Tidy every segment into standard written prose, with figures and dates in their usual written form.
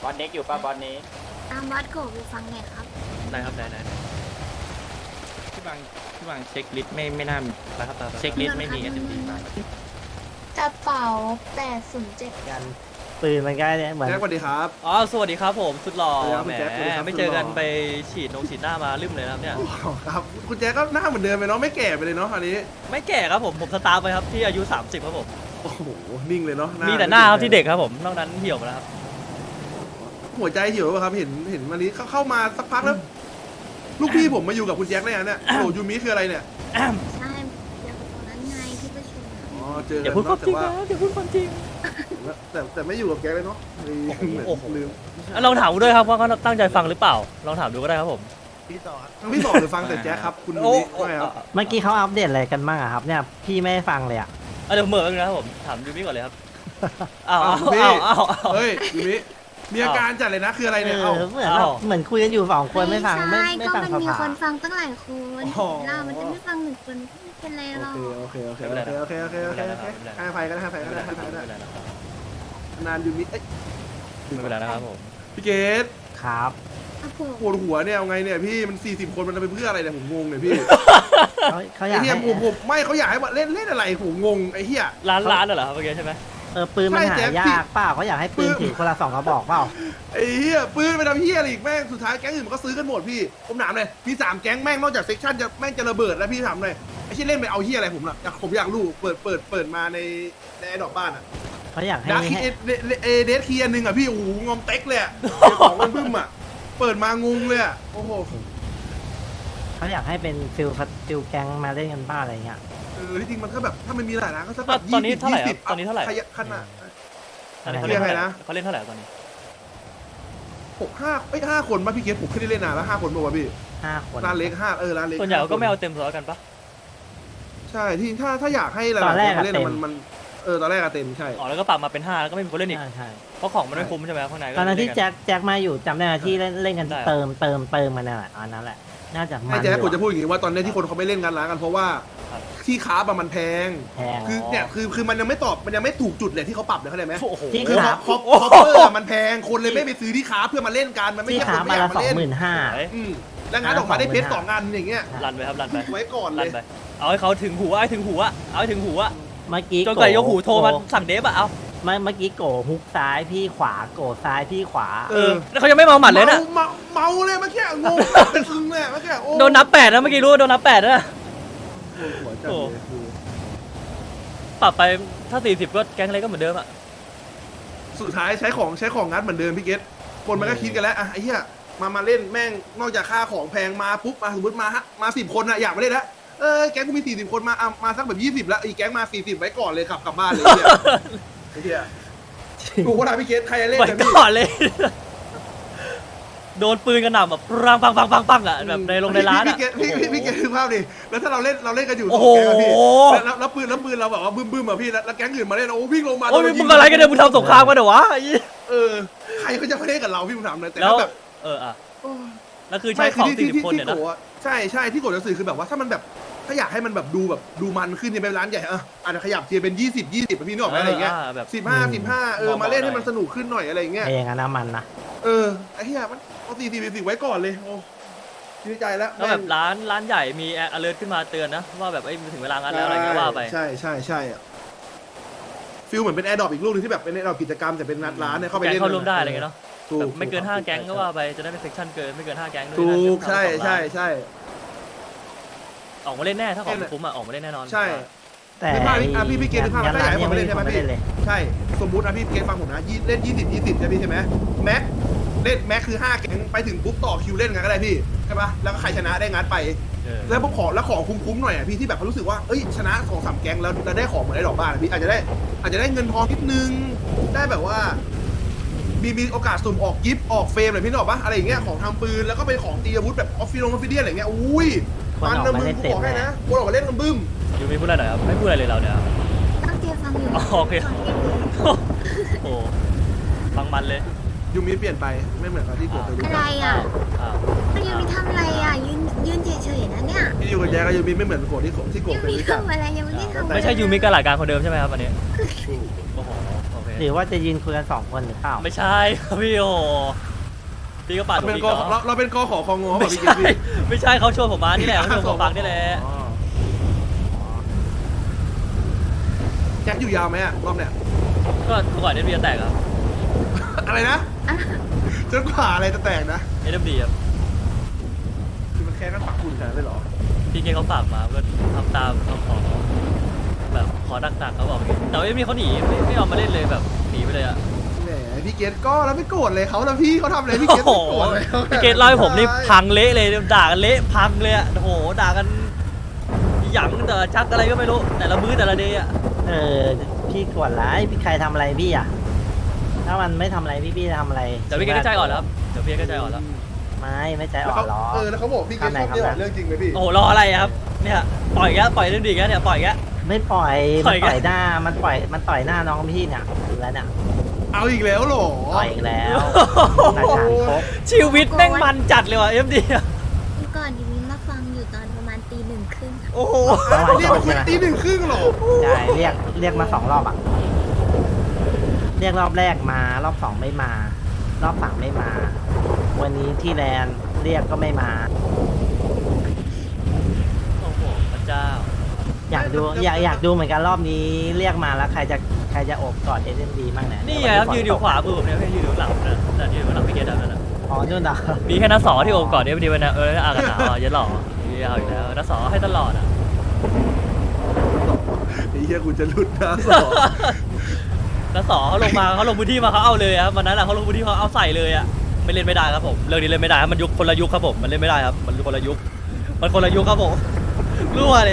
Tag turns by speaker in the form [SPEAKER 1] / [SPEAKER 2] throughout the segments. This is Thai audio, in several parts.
[SPEAKER 1] บอลเน็กอยู่ป่ะบอลนี้
[SPEAKER 2] บอสโกไปฟังหน่อยครับ
[SPEAKER 3] ได้ครับได้พี่บางเช็คลิสต์ไม่น่านะครับเช็คลิสต์ไม่มี SMD มาก
[SPEAKER 2] กระเป๋า807
[SPEAKER 4] กันปืนมันก็เนี่ยเหมือน
[SPEAKER 5] แจ็คสวัสดีครับ
[SPEAKER 3] อ๋อสวัสดีครับผมสุดหล่อ
[SPEAKER 5] สวัสดีครับ
[SPEAKER 3] แหม
[SPEAKER 5] คุณแจ็คสวัสดีครับ
[SPEAKER 3] ไม่เจอกัน
[SPEAKER 5] สุดหล่อ
[SPEAKER 3] ไปฉีดหน้ามาลืมเลยนะครับเนี่ย
[SPEAKER 5] อ๋อครับคุณแจ็คก็หน้าเหมือนเดิมไปเนาะไม่แก่ไปเลยเนาะอันนี้
[SPEAKER 3] ไม่แก่ครับผมสตาร์ไปครับที่อายุ30ครับผม
[SPEAKER 5] โอ้โหนิ่งเลยเนาะ
[SPEAKER 3] มีแต่หน้าครับที่เด็กครับผมนอกนั้นเหี่ยวหมดแล้วครับ
[SPEAKER 5] หัวใจเหี่ยวป่ะครับเห็นวันนี้เข้ามาสักพักแล้วลูกพี่ผมมาอยู่กับคุณแจ็คเลยเนี่ยโอ้โหยูมิคืออะไรเนี่ย
[SPEAKER 2] ใช่เดี๋ยวตรงนั้นไงที่ประชุม
[SPEAKER 5] อ๋อเจอ
[SPEAKER 3] อย่า
[SPEAKER 5] กัน
[SPEAKER 3] พูดความ
[SPEAKER 5] เนาะ
[SPEAKER 3] จริง
[SPEAKER 5] แต่ว่า
[SPEAKER 3] นะอย่าพูดความจริง
[SPEAKER 5] แต่ไม่อยู่กับแจ็คเลยเนาะลืม
[SPEAKER 3] โอ้โห
[SPEAKER 5] ลืม
[SPEAKER 3] ลองถามดูด้วยครับว่าเขาตั้งใจฟังหรือเปล่าลองถามดูก็ได้ครับผม
[SPEAKER 5] ทั้งพี่สองหรือฟังแต่แจ็คครับคุณยูมิว่าไงครับ
[SPEAKER 4] เมื่อกี้เขาอัปเดตอะไรกันบ้างอะครับเนี่ยพี่ไม่ได้ฟังเลยอะ
[SPEAKER 3] เดี๋ยวเหมือนนะครับผมถามยูมิก่อนเลยครับอ้าว
[SPEAKER 5] คุณพี่
[SPEAKER 3] อ้าว
[SPEAKER 5] เฮ้ยยูมิมีอาการจัดเลยนะคืออะไรเนี่ย
[SPEAKER 4] เอ
[SPEAKER 5] เอ้า
[SPEAKER 4] อเหมือนแบบเหมือนคุยกันอยู่สองคนไม่ฟังไม่
[SPEAKER 2] ใช่
[SPEAKER 4] ไม่
[SPEAKER 2] ก็
[SPEAKER 4] ฟัง
[SPEAKER 2] มัน
[SPEAKER 4] ส
[SPEAKER 2] มี
[SPEAKER 4] ภา
[SPEAKER 2] คนฟังตั้งหลายคน
[SPEAKER 5] อ๋อ
[SPEAKER 2] เรามันจะไม่ฟังหนึ่งคนไม่เป็นไรหรอก
[SPEAKER 5] โอเคให้ไฟกันให้ไฟกันให้ไฟกันนานยูมิเอ้ย
[SPEAKER 3] ไม่เป็นไรนะครับผม
[SPEAKER 5] พี่เกด
[SPEAKER 4] ครับ
[SPEAKER 2] ครับผม
[SPEAKER 5] ปวดหัวเนี่ยเอาไงเนี่ยพี่มัน40 คนมันจะไปเพื่ออะไรเนี่ยผมงงเนี่ยพี่
[SPEAKER 4] เขาอยา
[SPEAKER 5] ไอ้
[SPEAKER 4] ก
[SPEAKER 5] เหี้ย
[SPEAKER 4] ให้
[SPEAKER 5] ผมไม่เขาอยากให้มาเล่นอะไรผมงงไอ้เหี้ย
[SPEAKER 3] ร้านเหรอครับเมื่อกี้ใช่ไหม
[SPEAKER 4] ปืนมัน
[SPEAKER 5] ใช่
[SPEAKER 4] หา
[SPEAKER 5] แจ๊ค
[SPEAKER 4] ยากเปล่าเขาอยากให้ปืนถือคนละ2 กระบอกเปล่า
[SPEAKER 5] ไอ้เหี้ยปืนไปทำเหี้ยอะไรอีกแม่งสุดท้ายแก๊งอื่นมันก็ซื้อกันหมดพี่ผมถามเลยพี่3แก๊งแม่งนอกจากเซ็กชันจะแม่งจะระเบิดแล้วพี่ถามเลยไอ้เหี้ยเล่นไปเอาเหี้ยอะไรผมล่ะผมอยากรู้เปิดมาในไอ้ดอกบ้านอ่ะ
[SPEAKER 4] เขาอยากให้
[SPEAKER 5] ดาร์คเดสคีอันนึงอ่ะพี่โอ้โหงอมเต็กเลยอ่ะของมันบึ้มอ่ะเปิดมางงเลยอ่ะโอ้โห
[SPEAKER 4] เขาอยากให้เป็นฟิลแก๊งมาเล่นกันบ้าอะไรเงี้ย
[SPEAKER 5] ที่จริงมันก็แบบถ้ามันมีหลายร้านก็สักแบบ
[SPEAKER 3] ตอนนี้เท่าไหร่ครับตอนนี้เท่าไหร่
[SPEAKER 5] ขนาด
[SPEAKER 3] ตอนนี้เขาเล่นเท่าไหร่นะเขาเล่นเท่าไหร่ตอนนี้
[SPEAKER 5] 5 คนป่ะพี่เกศผมไม่ได้เล่นนานแล้ว5 คนป่ะวะพี่
[SPEAKER 4] 5 คน
[SPEAKER 5] ร้านเล็กร้านเล็ก
[SPEAKER 3] ส่วนใหญ่ก็ไม่เอาเต็มร้อยกันปะ
[SPEAKER 5] ใช่ที่ถ้าอยากให้หลาย
[SPEAKER 4] ตอนแรก
[SPEAKER 5] ๆคนเล่นมันตอนแรกอะเต็มใช่
[SPEAKER 3] อ๋อแล้วก็ปรับมาเป็น5แล้วก็ไม่มีคนเล่นอีก
[SPEAKER 4] ใช่
[SPEAKER 3] เพราะของมันไม่คุ้มใช่ไหมข้างในก็
[SPEAKER 4] ตอนนั้นที่
[SPEAKER 3] เล่กั
[SPEAKER 4] แจ็คมาอยู่จำได้ไหมที่เล่นกัน
[SPEAKER 3] ได้
[SPEAKER 4] เติมมันนั่นแหละอันนั้นแหละ น่าจะมั
[SPEAKER 5] ไอ้
[SPEAKER 4] น
[SPEAKER 5] แจ๊คผม
[SPEAKER 4] อยู่
[SPEAKER 5] จะพูดอย่างนี้ว่าตอนนี้ที่คนเขาไม่เล่นกันร้านกันเพราะว่าที่ค้าบมันแพง
[SPEAKER 4] แพง
[SPEAKER 5] คือเนี่ยคือมันยังไม่ตอบมันยังไม่ถูกจุดเลยที่เขาปรับเลยเข้าใจไหม
[SPEAKER 3] โอ้โห
[SPEAKER 4] ที่
[SPEAKER 5] คือ
[SPEAKER 4] ค้า
[SPEAKER 5] คอปเปอร์มันแพงคนเลยไม่ไปซื้อที่ค้าเพื่อมาเล่นกันมันไม่
[SPEAKER 4] ที่
[SPEAKER 5] ใช่ค
[SPEAKER 4] ค้าน
[SPEAKER 5] ไม่
[SPEAKER 4] มา
[SPEAKER 5] อยา
[SPEAKER 4] ละ
[SPEAKER 5] กมาเล่น
[SPEAKER 4] 25,000
[SPEAKER 5] อืมแล้วงานออกมาได้เพชร2 งานอย่างเงี้ย
[SPEAKER 3] รันไปครับรันไป
[SPEAKER 5] ไว้ก่อนเล
[SPEAKER 3] รัน
[SPEAKER 5] ย
[SPEAKER 3] ไปเอาให้เขาถึงหูเอาให้ถึงหูอะเอาให้ถึงหูอะ
[SPEAKER 4] เมื่อกี้
[SPEAKER 3] จนกว่ายกหูโทรมาสั่งเดฟอะเอา
[SPEAKER 4] เมื่อกี้โกฮุกซ้ายพี่ขวาโกซ้ายพี่ขวา
[SPEAKER 3] แล้วเขายังไม่เมาหมัดเลยนะ
[SPEAKER 5] เมาเลยเมื่อกี้งงเป็นซึงเลยเมื่อกี้โอ้
[SPEAKER 3] โดนนับ8นะเมื่อกี้รู้ว่าโดนนับ8นะ
[SPEAKER 5] หัวจัดเลยคือ
[SPEAKER 3] ปรับไปถ้า40ก็แก๊งอะไรก็เหมือนเดิมอะ
[SPEAKER 5] สุดท้ายใช้ของงัดเหมือนเดิมพี่เกตคนมันก็คิดกันแล้วอ่ะไอ้เหี้ยมาเล่นแม่งนอกจากค่าของแพงมาปุ๊บมาสมมติมา10 คนอะอยากมาเล่นแล้วแก๊งกูมี40 คนมาสักแบบ20แล้วอีกแก๊งมา40ไว้ก่อนเลยขับกลับบ้านเลยไอ้เหี้ยถูกว่าพี่เกตใครจะเล่น
[SPEAKER 3] ไป
[SPEAKER 5] กันพี่
[SPEAKER 3] ก่อนเลย โดนปืนกระหน่ำแบบปังอะแบบในร้านอะ
[SPEAKER 5] พี่เกตคือภาพดิแล้วถ้าเราเล่นกันอยู่
[SPEAKER 3] โอ้
[SPEAKER 5] สอ
[SPEAKER 3] โห
[SPEAKER 5] งแก๊งอะพี่แล้วปืนเราแบบว่าบึ้มอะพี่แล้วแก๊งอื่นมาเล่นโอ้วิ่งลงมา
[SPEAKER 3] โอ้ยมึงอะไรกันเนี่ยมึงทำสงครามกันเหรอวะ
[SPEAKER 5] ใครเขาจะมาเล่นกับเราพี่ผมถามเลยแต่
[SPEAKER 3] แล้ว
[SPEAKER 5] แบบ
[SPEAKER 3] อะ
[SPEAKER 5] โอ้
[SPEAKER 3] แล้วคือใช้ของ40 คนเนี่ยนะ
[SPEAKER 5] ใช่ที่โกดจะสื่อคือแบบว่าถ้ามันแบบถ้าอยากให้มันแบบดูมันขึ้นเนี่ยไปร้านใหญ่อาจจะขยับเทียร์เป็น20พี่นึกออกไหมอะไรเงี้ย
[SPEAKER 3] แบบ
[SPEAKER 5] 15มาเล่นให้มันสนุกขึ้นหน่อยอะไรเงี้ย
[SPEAKER 4] เองอะน้ำมันนะ
[SPEAKER 5] ไอ้เหี้ยมันเอา40ไว้ก่อนเลยโอ้ดีใจแล้ว
[SPEAKER 3] แล้วแบบร้านใหญ่มีalert ขึ้นมาเตือนนะว่าแบบถึงเวลางานแล้วอะไรเงี้ยว่าไป
[SPEAKER 5] ใช่ฟิลเหมือนเป็นแอร์ดรอปอีกลูกนึงที่แบบเป็นแอร์ดรอปกิจกรรมแต่เป็นนัดร้านเนี่ยเข้าไป
[SPEAKER 3] แก๊ง
[SPEAKER 5] เล่น
[SPEAKER 3] เข้าร่วมได้อะไรเงี้ยเนาะ
[SPEAKER 5] ถูก
[SPEAKER 3] แบบไม่เกิน5แก๊งก็ว่าไปจะได้เป็นเซกชันเกินไม่เกิน5แก๊งด้วย
[SPEAKER 5] ถูก
[SPEAKER 3] นะ
[SPEAKER 5] ใช่
[SPEAKER 3] ออกมาเล่นแน่ถ้าของคุ้มอะออกมาเล่นแน่นอน
[SPEAKER 5] ใช่
[SPEAKER 4] แต่
[SPEAKER 5] พี่เกณฑ์ภาพถ้าอยากให้ผมมาเล่นใช่ไหมพี่
[SPEAKER 4] เลย
[SPEAKER 5] ใช่สมมุตินะพี่เกณฑ์ฟังผมนะเล่น20ใช่พี่ใช่ไหมแม็กเล่นแม็กคือ5แก๊งไปถึงปุ๊บต่อคิวเล่นกันก็ได้พี่ใช่ปะแล้วก็ใครชนะได้งัดไปแล้วพวกของคุ้มๆหน่อยอ่ะพี่ที่แบบเขารู้สึกว่าเอ้ยชนะ2-3แก๊งแล้วได้ของเหมือนได้ดอกบ้านพี่อาจจะได้เงินทองนิดนึงได้แบบว่ามีโอกาสสุ่มออกกิฟต์ออกเฟรมอะไรพี่นึกออกปะอะไรอย่างเงี้ยของทำปืนแล้วก็เป็นของตีอาวุธแบบออฟฟิเดียอะไรเงี้ยอุ้ยมันนะมึงกูบอกให้นะคนออกมาเล่นกันบึ้ม
[SPEAKER 3] ยูมีพูดอะไรหน่อยครับไม่พูดอะไรเลยเราเนี่ย
[SPEAKER 2] ตั้งใจฟังอยู่
[SPEAKER 3] โอเคโอ้ฟังมันเลย
[SPEAKER 5] ยูมิเปลี่ยนไปไม่เหมือนกับที่ผมเคยรู้
[SPEAKER 2] อะไร
[SPEAKER 5] จัก
[SPEAKER 2] อ่ะ
[SPEAKER 3] อ้าว
[SPEAKER 2] มันยังมีทำอะไรอ่ะยืนเฉยๆนะเนี่ย
[SPEAKER 5] ที่อยู่กับแจ๊กกับยูมิไม่เหมือนโกดที่โกด
[SPEAKER 2] ยัง
[SPEAKER 5] เคย
[SPEAKER 2] มี
[SPEAKER 5] รู้จัก
[SPEAKER 2] ทำอะไรยังไม่ได้ทำอะไร
[SPEAKER 3] ไม่ใช่ยูมิกระหลาดการคนเดิมใช่ไหมครับอันนี้โอ้โหโอเค
[SPEAKER 4] หรือว่าจะยืนคุยกัน2 คนหรือเปล่า
[SPEAKER 1] ไม่ใช่ครับพี่โอพี่ก็ปาดผม
[SPEAKER 5] เป็น
[SPEAKER 1] อีก
[SPEAKER 5] กอ
[SPEAKER 1] เนาะ
[SPEAKER 5] เราเป็นกอขอคองงอ
[SPEAKER 1] ไม่
[SPEAKER 5] พี่เก
[SPEAKER 1] ใช่
[SPEAKER 5] ตพี่
[SPEAKER 1] ไม่ใช่เขาชวนผมมานี่แหละเขาชวนผมฟังนี่แหละ
[SPEAKER 5] อ๋อแจ็คอยู่ยาวไหมอะรอบเนี้ย
[SPEAKER 1] ก็ก่อนเอ็มดีจะแตกครับ
[SPEAKER 5] อะไรนะจนกว่าอะไรจะแตกนะ
[SPEAKER 1] เอ็มดีครับ
[SPEAKER 5] คือมันแค่กันปักคุณขนาดนั้นเลยเหรอ
[SPEAKER 1] พี่เกเขาฝากมาก็ทำตามคำขอแบบขอดักๆเขาบอกอย่างงี้แต่ว่าเอ็มดีเขาหนีไม่ยอมมาเล่นเลยแบบหนีไปเลยอะ
[SPEAKER 5] แหมพี่เกตก็แล้วไม่โกรธเลยเขาแล้วพี่เขาทำอะไรพี่เกต
[SPEAKER 1] โอ้
[SPEAKER 5] ไม่
[SPEAKER 1] โห
[SPEAKER 5] โกรธเลย
[SPEAKER 1] พี่เกตเล่าให้ผมนี่พังเละเลยด่ากันเละพังเลยอะโอ้โหด่ากันหยั่งแต่ชักอะไรก็ไม่รู้แต่ละมื้อแต่ละเดย์อะ
[SPEAKER 4] พี่กดไลฟ์พี่ใครทำอะไรพี่อ่ะถ้ามันไม่ทำอะไรพี่จะทำอะไร
[SPEAKER 1] เดี๋ยวพี่เกตก็ใจอ่อนแล้วครับเดี๋ยวพี่เกตก็ใจอ่อนแล้ว
[SPEAKER 4] ไม่ใจ
[SPEAKER 5] แล้ว
[SPEAKER 4] อ่อ
[SPEAKER 5] เขา
[SPEAKER 4] นหรอ
[SPEAKER 5] แล้วเขาบอกพี่เกตชอบเรื่องจริงไหมพี่
[SPEAKER 1] โอ้โหรออะไรอะครับเนี่ยปล่อยแกปล่อยเรื่องดีแกเนี่ยปล่อยแก
[SPEAKER 4] ไม่ปล่อย
[SPEAKER 1] ปล่
[SPEAKER 4] มัน
[SPEAKER 1] อย
[SPEAKER 4] ต่อย
[SPEAKER 1] กัน
[SPEAKER 4] หน้ามันต่อยหน้าน้องพี่เนี่ยดูแล้วเนี่ย
[SPEAKER 5] เอาอีกแล้วเหรอ
[SPEAKER 4] ต่อยอีกแล้วหลักฐานครบ
[SPEAKER 1] ชีวิตแม่งมันจัดเลยว่ะเอ็มดี
[SPEAKER 6] เมื่อก่อนดิวินมาฟังอยู่ตอนประมาณตี 1:30
[SPEAKER 1] โอ้โห
[SPEAKER 5] เรียกมาคุยตี 1:30เหรอ
[SPEAKER 4] ใช่เรียกมา2 รอบอ่ะเรียกรอบแรกมารอบ2ไม่มารอบ3ไม่มา วันนี้ที่แลนด์เรียกก็ไม่มา
[SPEAKER 1] โอ้โหพระเจ้า
[SPEAKER 4] อยากดูเหมือนกันรอบนี้เรียกมาแล้วใครจะโอบกอดเอ็มดีบ้างเนี่ย
[SPEAKER 1] นี่ไงครับยืนอยู่ขวามือผมเนี่ยไม่ยืนอยู่หลังนะแต่ยืนอยู่หลังพี่เกดนั่นน่ะ
[SPEAKER 4] อ๋อนู่นเหรอ
[SPEAKER 1] มีแค่นักสอที่โอบก่อนเอ็มดีไปนะอากาศหนาวอ่ะเย็นหล่อนี่เอาอีกแล้วนักสอให้ตลอดอ่ะ
[SPEAKER 5] ไอ้เหี้ยกูจะหลุดนะสอง
[SPEAKER 1] นักสอเขาลงมาเขาลงพื้นที่มาเขาเอาเลยครับวันนั้นเขาลงพื้นที่เขาเอาใส่เลยอ่ะไม่เล่นไม่ได้ครับผมเรื่องนี้เล่นไม่ได้ครับมันยุคคนละยุคครับผมมันเล่นไม่ได้ครับมันคนละยุคครับผมรั่วเลย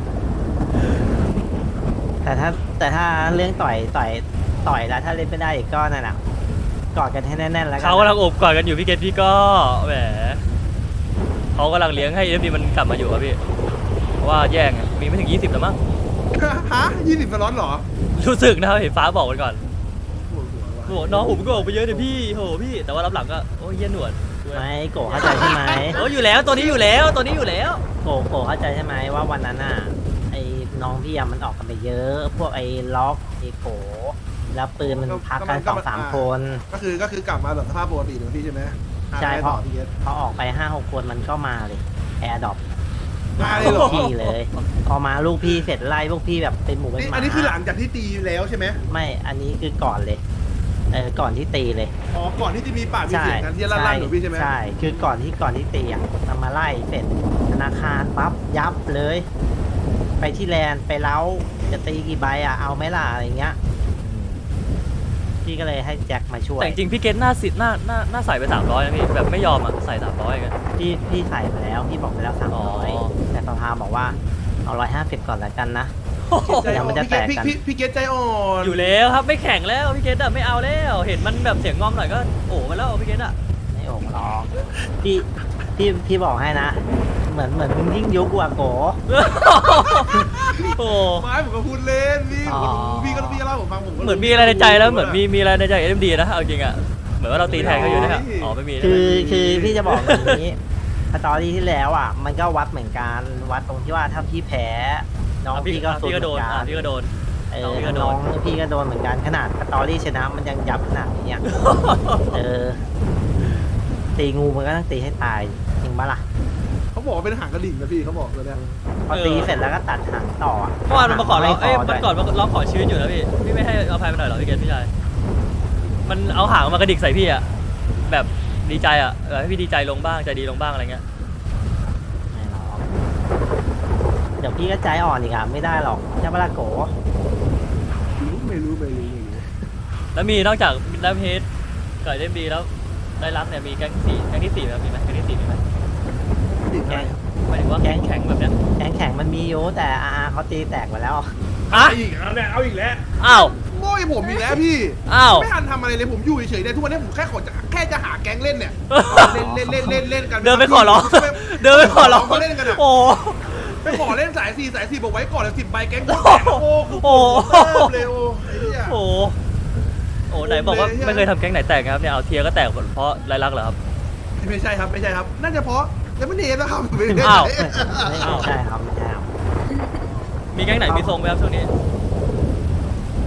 [SPEAKER 4] แต่ถ้าเรื่องต่อยแล้วถ้าเล่นไม่ได้อีกก็นั่นแหละกอดกันให้แน่นๆแล้วกัน
[SPEAKER 1] เขากำลังโอบกอดกันอยู่พี่เกดพี่ก็แหมเขากำลังเลี้ยงให้เอ็มดีมันกลับมาอยู่ครับพี่เพราะว่าแย่งอะมีไม่ถึง20แล้วมั้ง
[SPEAKER 5] ฮะ20 สล็อตเหรอ
[SPEAKER 1] รู้สึกนะครับเห็นฟ้าบอกมันก่อน
[SPEAKER 5] ปวดหัวว่ะ
[SPEAKER 1] โอ้น้องผมก็ออกไปเยอะเลยพี่โหพี่แต่ว่ารับหลังก็โอ้ยเยี่ยหนวด
[SPEAKER 4] ไม่โกเข้าใจใช่ไหม
[SPEAKER 1] โอ้อยู่แล้วตัวนี้อยู่แล้วตัวนี้อยู่แล้ว
[SPEAKER 4] โกเข้าใจใช่ไหมว่าวันนั้นน่ะไอ้น้องพี่อะมันออกกันไปเยอะ พวกไอ้ล็อกไอ้โกแล้วปืนมันพักกัน2-3 คน
[SPEAKER 5] ก็คือกลับมาแบบสภาพปกติเลยพี่ใช่ไหม
[SPEAKER 4] ใช่
[SPEAKER 5] อ่
[SPEAKER 4] เพราะ
[SPEAKER 5] ต่อพี่เกต
[SPEAKER 4] พอออกไป5-6 คนมันก็มาเลยแอร์ดรอป
[SPEAKER 5] มาเลยเหรอ
[SPEAKER 4] พี่เลย พอมาลูกพี่เสร็จไล่พวกพี่แบบเป็นหมูเป็นหมา
[SPEAKER 5] อันนี้คือหลังจากที่ตีแล้วใช่ไหม
[SPEAKER 4] ไม่อันนี้คือก่อนเลยก่อนที่ตีเลย
[SPEAKER 5] อ๋อก่อนที่จะมีปากมีเสียงกันที่ลั่นๆหนูพี่ใช่ไหม
[SPEAKER 4] ใช่คือก่อนที่ตีอ่ะมันมาไล่เสร็จธนาคารปั๊บยับเลย ไปที่แลนด์ไปเล้าจะตีกี่ใบอ่ะเอาไหมล่ะอะไรเงี้ยพี่ก็เลยให้แจ็คมาช่วย
[SPEAKER 1] แต่จริงๆพี่เกตหน้าสิหน้าใส่ไป300นะพี่แบบไม่ยอมอ่ะใส่300กัน
[SPEAKER 4] พี่ใส่ไปแล้วพี่บอกไปแล้ว
[SPEAKER 1] อ๋อ
[SPEAKER 4] 300แต่สภาบอกว่าเอา150ก่อนแล้วกันนะ
[SPEAKER 5] ใจอ่อน
[SPEAKER 4] มันจะแตกกัน
[SPEAKER 5] พี่เกตใจอ่อน
[SPEAKER 1] อยู่แล้วครับไม่แข่งแล้วพี่เกตอะไม่เอาแล้วเห็นมันแบบเสียงงอมหน่อยก็โอ้มาแล้วพี่เกตอะ
[SPEAKER 4] ไม่โอ่งหรอกพี่บอกให้นะ เหมือนมึงยิ่งยุกว่าโก
[SPEAKER 1] โอ้
[SPEAKER 5] ไม่ผมก็พูดเล่นพี่
[SPEAKER 4] อ๋อ
[SPEAKER 5] พี่ก็เล่าผมฟังผมก็
[SPEAKER 1] เหมือนมีอะไรในใจแล้วเหมือนมีอะไรในใจเอ็มดีนะเอาจริงอะเหมือนว่าเราตีแทนเขาอยู่นะครับอ๋อไม่มีนะ
[SPEAKER 4] คือพี่จะบอกแบบนี้สตอรี่ที่แล้วอ่ะมันก็วัดเหมือนกันวัดตรงที่ว่าถ้าพี่แพ้น้องพี่ก็สุด
[SPEAKER 1] พี่
[SPEAKER 4] เห
[SPEAKER 1] ก็โด
[SPEAKER 4] มือน นกัน
[SPEAKER 1] พี่ก็โดน น้องพี่ก็โดน
[SPEAKER 4] น้องพี่ก็โดนเหมือนกันขนาดสตอรี่ชนะมันยังยับขนาดนี้อ่ะ ตีงูมันก็ต้องตีให้ตายจริงปะล่ะ
[SPEAKER 5] เขาบอกว่าเป็นหางกระดิ่งนะพี่เขาบอกเลยเนี่ย
[SPEAKER 4] พอตีเสร็จแล้วก็ตัดหางต่ออะ
[SPEAKER 1] เมื่อวานมันมาขอร้องเอ้ย
[SPEAKER 4] ไม่พ
[SPEAKER 1] มันก่อนมาร้องขอชีวิตอยู่นะพี่ไม่ให้อภัยมันหน่อยเหรอพี่เกตพี่ชายมันเอาหางมากระดิกใส่พี่อะแบบดีใจอะให้พี่ดีใจลงบ้างใจดีลงบ้างอะไรเงี้ย
[SPEAKER 4] ไม่หรอกเดี๋ยวพี่ก็ใจอ่อนอีกอ่ะไม่ได้หรอกใช่ปะล่ะโก
[SPEAKER 5] ไม่รู้
[SPEAKER 1] แล้วมีนอกจากดัมเฮดกับเอ็มดีแล้วได้รักเนี่ยมีแก๊งที่สี่ไหมครับมีไหมแก๊งที่สี่มีไหม
[SPEAKER 5] ดิ่งอะไร
[SPEAKER 1] หมายถึงว่าแก๊งแข็งแบบเนี้ย
[SPEAKER 4] แข่งมันมีอยู่แต่เขาตีแตกไปแล้ว
[SPEAKER 1] ฮะ
[SPEAKER 5] อีกแล้วเนี่ยเอาอีกแล้ว
[SPEAKER 1] อ้าว
[SPEAKER 5] โง่ผมอีกแล้วพี่
[SPEAKER 1] อ้าว
[SPEAKER 5] ไม่ทันทำอะไรเลยผมอยู่เฉยๆเนี่ยทุกวันนี้ผมแค่จะหาแก๊งเล่นเนี่ยเล่นกัน
[SPEAKER 1] เดินไปขอร้องเดินไปขอร้อง
[SPEAKER 5] เขาเล่นกันอะ
[SPEAKER 1] โอ้
[SPEAKER 5] ไปขอเล่นสาย4บอกไว้ก่อนเลย10 ใบแก๊งโคตรแตกโอ้โห
[SPEAKER 1] โอ้
[SPEAKER 5] เร็วไอ้เนี่ย
[SPEAKER 1] โหโอ้ไหนบอกว่าไม่เคยทำแก๊งไหนแตกครับเนี่ยเอาเทียก็แตกหมดเพราะไรลักเหรอครับ
[SPEAKER 5] ไม่ใช่ครับน่าจะเพราะยังไม่เนมนะครับไม่ได้
[SPEAKER 1] อ้าว
[SPEAKER 4] ไม่ใช่ครับไม่ใช่ครับ
[SPEAKER 1] มีแก๊งไหนมีทรงไหมครับช่วงนี้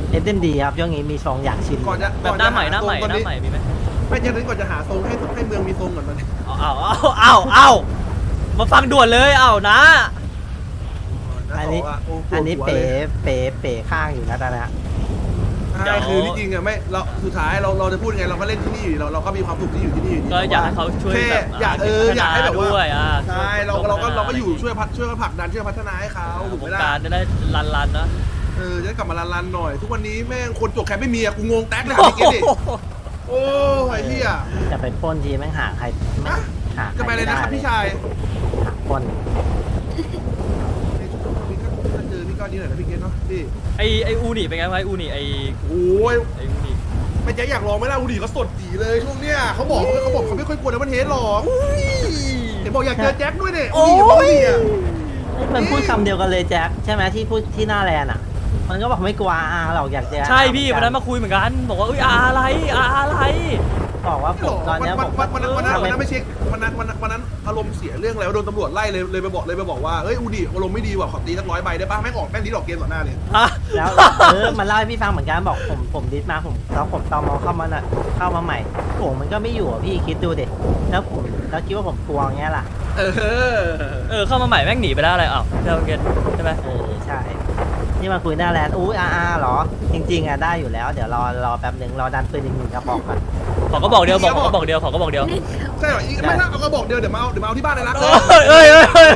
[SPEAKER 4] SMD ครับช่วงนี้มีทรงอยากชิม
[SPEAKER 5] ก่อนจะ
[SPEAKER 1] แบบหน้าใหม่
[SPEAKER 5] ก่
[SPEAKER 1] หน้าใหม่
[SPEAKER 5] ตอน
[SPEAKER 1] หน้า
[SPEAKER 5] นี้
[SPEAKER 1] ใหม่มีไหม
[SPEAKER 5] ไม่ใช่ก่อนจะหาทรงให้เมืองมีทรงก่อนตอนนี้
[SPEAKER 1] เอามาฟังด่วนเลยเอานะ
[SPEAKER 4] อันนี้ อันนี้เป๋ข้างอยู่นะตอนนี้
[SPEAKER 5] ใช่คือที่จริงอะไม่เราสุดท้ายเราจะพูดไงเราก็เล่นที่นี่อยู่เราก็มีความสุขที่อยู่ที่นี่อยู่ดี
[SPEAKER 1] ก็อยากให้เขาช่วย
[SPEAKER 5] แค่
[SPEAKER 1] แบบ
[SPEAKER 5] อยากให้แบบว่า
[SPEAKER 1] ด้วยอ่ะ
[SPEAKER 5] ใช่เราก็อยู่ช่วยกันผลักดันช่วยพัฒนาให้เขาถูก
[SPEAKER 1] ว
[SPEAKER 5] ไหม
[SPEAKER 1] ง
[SPEAKER 5] ล่ะ
[SPEAKER 1] การจะได้รันนะ
[SPEAKER 5] จะได้กลับมารันๆหน่อย ทุกวันนี้แม่งคนจบแคปไม่มีอะกูงงแท็กเลยพี่เกดดิโอ้ยไอ้เหี้ย
[SPEAKER 4] จะไปปล้นทีแม่งหาใครไม่
[SPEAKER 5] อะ
[SPEAKER 4] หาใคร
[SPEAKER 5] จะไปเลยนะครับพี่ชาย
[SPEAKER 4] หาปล้น
[SPEAKER 5] ในช่วงนี้ก็เจอพี่ก้อนนี้หน่อยนะพี่เกดเนาะพี่
[SPEAKER 1] ไออูนี่เป็นไงวะไออูนี่ไอ
[SPEAKER 5] โอ้ย
[SPEAKER 1] อูนี่
[SPEAKER 5] ไม่แจ๊คอยากลองไหมล่ะอูดีเขาสดจีเลยช่วงเนี้ยเขาบอกเขาไม่ค่อยกลัวนะมันเฮดหรอกเห็นบอกอยากเจอแจ็คด้วยเนี่ยอูดีกับอูดีอะ
[SPEAKER 4] มันพูดคำเดียวกันเลยแจ็คใช่ไหมที่พูดที่หน้าแลนด์อ่ะ มันก็บอกไม่กลัวอาหรอกอยากเจอ
[SPEAKER 1] ใช่พี่วันนั้นมาคุยเหมือนกันบอกว่าเอ้ยอะไร
[SPEAKER 4] บอกว่าผมตอนเนี้ยผม
[SPEAKER 5] วันนั้นไม่เช็ควันนั้นอารมณ์เสียเรื่องแล้วโดนตำรวจไล่เลยไปบอกว่าเอ้ยอูดีอารมณ์ไม่ดีว่ะขอตีสัก100 ใบได้ป่ะแม่งออกแม่งดีดอกเกมต่อหน้าเลย
[SPEAKER 1] ฮะ
[SPEAKER 4] แล้วมันเล่าให้พี่ฟังเหมือนกันบอกผมดิสมาผมตอมเข้ามาน่ะเข้ามาใหม่โอ้มันก็ไม่อยู่อ่ะพี่คิดดูดิแล้วคิดว่าผมกลัวเงี้ยล่ะ
[SPEAKER 1] เข้ามาใหม่แม่งหนีไปแล้วอะไรอ้าวเจ้าเกตใช่ไหม
[SPEAKER 4] ใช่นี่มาคุยหน้าแลนด์อู้เหรอจริงๆอ่ะได้อยู่แล้วเดี๋ยวรอแป๊บหนึ่งรอดันปืนอีก1 กระบอกก่อน
[SPEAKER 1] ขอก็บอกเดียวขอก็บอกเดียว
[SPEAKER 5] ใช่เหรออีกไม่ถ้าเอากระบอกเดียวเดี๋ยวมาเอาที่บ้านเลยนะ
[SPEAKER 1] เอ้ย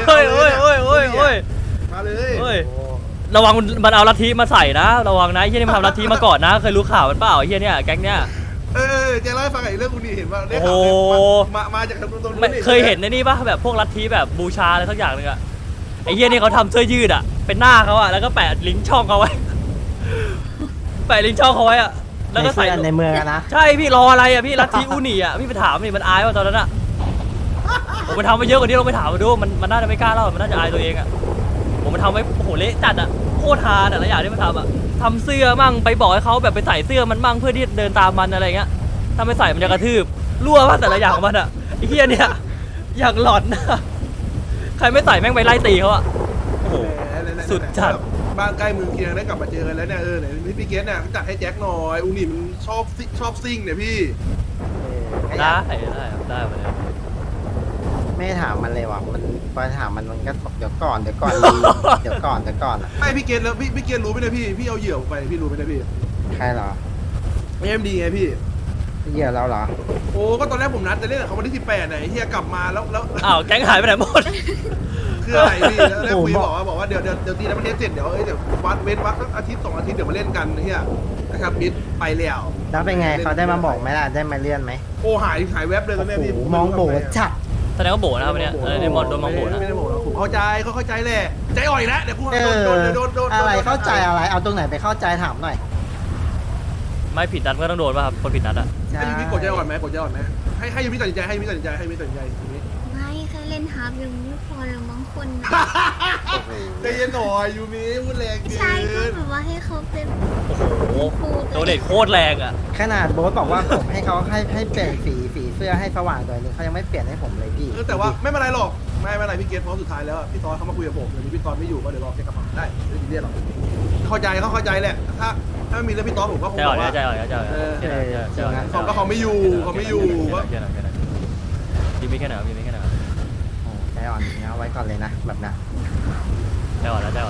[SPEAKER 5] มาเลย
[SPEAKER 1] ระวังมันเอาลัทธิมาใส่นะระวังนะไอ้เฮียนี่มันทำลัทธิมาก่อนนะเคยรู้ข่าวมันเปล่าไอ้เฮียเนี่ยแก๊งเนี่ย
[SPEAKER 5] เจ๊เล่าให้ฟังไอ้เรื่องอูดีเห็นว่าได้
[SPEAKER 1] โอ้
[SPEAKER 5] ข่าว
[SPEAKER 1] โห
[SPEAKER 5] มาจากตรงนู้น
[SPEAKER 1] ไม่เคยเห็นในนี่ป่ะแบบพวกลัทธิแบบบูชาอะไรสักอย่างนึงอะไอ้เฮียนี่เขาทำเสื้อยืดอะเป็นหน้าเขาอะแล้วก็แปะลิงก์ช่องเขาไว้ แปะลิงก์ช่องเขาไว้อะแล้วก็ใส่
[SPEAKER 4] ในเมืองนะ
[SPEAKER 1] ใช่พี่รออะไรอะพี่ลัทธิอูนี่อะพี่ไปถามนี่มันอายว่าตอนนั้นอะผมไปทำมาเยอะกว่านี้เราไปถามมาดูมันน่าจะไม่กล้าเล่ามันน่าจะอายตัวเองอะผมมันทำไว้โอ้โหเละจัดอะโคตรฮาแต่ละอย่างที่มันทำอะทำเสื้อมั่งไปบอกให้เขาแบบไปใส่เสื้อมันมั่งเพื่อที่เดินตามมันอะไรเงี้ยถ้าไม่ใส่มันจะกระทืบรั่วว่าแต่ละอย่างของมันอะไอ้เหี้ยเนี่ยอย่างหลอนนะใครไม่ใส่แม่งไปไล่ตีเขาอะโอ้โห สุดจัด
[SPEAKER 5] บ้านใกล้เมืองเคียงได้กลับมาเจอกันแล้วเนี่ยไหนพี่เกสเนี่ยจัดให้แจ็คหน่อยอูนี่มันชอบซิ่งเนี่ยพี่
[SPEAKER 1] ได้ได้มาเลย
[SPEAKER 4] ไม่ถามมันเลยว่ะมันพอถามมันก็บอกเดี๋ยวก่อนเดี๋ยวก่อนอ่ะ
[SPEAKER 5] ไม่พี่เกสแล้วพี่เกสรู้ไหมเนี่ยพี่เอาเหยื่อไปพี่รู้ไหมเนี่ยพี่
[SPEAKER 4] ใครเหรอ
[SPEAKER 5] เอ็มดีไงพี่
[SPEAKER 4] เหยื่อเราเหรอ
[SPEAKER 5] โอ้ก็ตอนแรกผมนัดจะเล่นกับเขาวันที่18ไหนเฮียกลับมาแล้ว
[SPEAKER 1] อ้าวแก๊งหายไปไหนหมด
[SPEAKER 5] คืออะไรพี่แล้วคุยบอกว่าเดี๋ยวตีแล้วมันเทสเสร็จเดี๋ยวเดี๋ยวเว้นวักสักอาทิตย์2 อาทิตย์เดี๋ยวมาเล่นกันเฮียนะครับมิดไปแล้ว
[SPEAKER 4] แล้วเป็นไงเขาได้มาบอกไหมล่ะได้มาเลื่อนไหม
[SPEAKER 5] โอ้หายแวบเลยตอนนี้พี่
[SPEAKER 4] มองโบจัด
[SPEAKER 1] แสดงว่าโบนะครับวันเนี้ยในมอนโดนมองโบนะ
[SPEAKER 5] ไม่ได้โบนะผมเข้าใจเขาเข้าใจแหละใจอ่อยแล้วเดี๋ยวกู โดน
[SPEAKER 4] อะไรเข้าใจอะไรเอาตรงไหนไปเข้าใจถามหน่อย
[SPEAKER 1] ไม่ผิดนัดก็ต้องโดนป่ะครับคนผิดนัดอะ
[SPEAKER 5] ให้ยูมิกดใจอ่อนไหมให้ยูมิตัดสินใจให้ยูมิตัดสินใจยูมิ
[SPEAKER 6] ไม่แค่เล่นฮาร์ปยังไม่พอหรอกบางคน
[SPEAKER 5] ใจเย็นหน่อยยูมิพูดแรงเกิ
[SPEAKER 6] ใช่ก็
[SPEAKER 5] น
[SPEAKER 6] แบบว่าให้เขาเป็น
[SPEAKER 1] โอ้โหโดนเด็ดโคตรแรงอะ
[SPEAKER 4] ขนาดโบ๊ทบอกว่าผมให้เขาให้เปลี่ยนสีเสื้อให้สว่างหน่อยนึงเขายังไม่เปลี่ยนให้ผมเลยพี่
[SPEAKER 5] แต่ว่าไม่เป็นไรหรอกไม่เป็นไรพี่เกตเพราะสุดท้ายแล้วพี่ตอนเขามาคุยกับผมเดี๋ยวพี่ตอนไม่อยู่ก็เดี๋ยวรอเช็คกระเป๋าได้ไม่ได้เรียกหรอกเข้าใจแหละถ้าไม่มีเรื่องพี่ตอนผมก็คง
[SPEAKER 1] ใจ
[SPEAKER 5] บ
[SPEAKER 1] อ่อ
[SPEAKER 5] อน กว่า
[SPEAKER 1] ใจอ่อน
[SPEAKER 5] เขาไม่อยู่ก็
[SPEAKER 1] แค่ไหนพี่ไม่แค่ไหนพี่ไม่แค่ไหน
[SPEAKER 4] ใจอ่อนเอาไว้ก่อนเลยนะแบบนั้น
[SPEAKER 1] ใจอ่อนแล้ว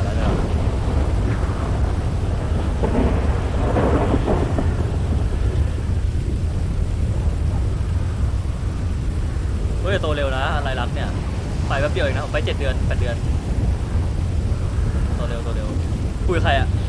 [SPEAKER 1] เฮ้ยโตเร็วนะอะไรรักเนี่ยไปแป๊บเดียวเองนะผมไป7 เดือน 8 เดือนโตเร็วคุยใครอะ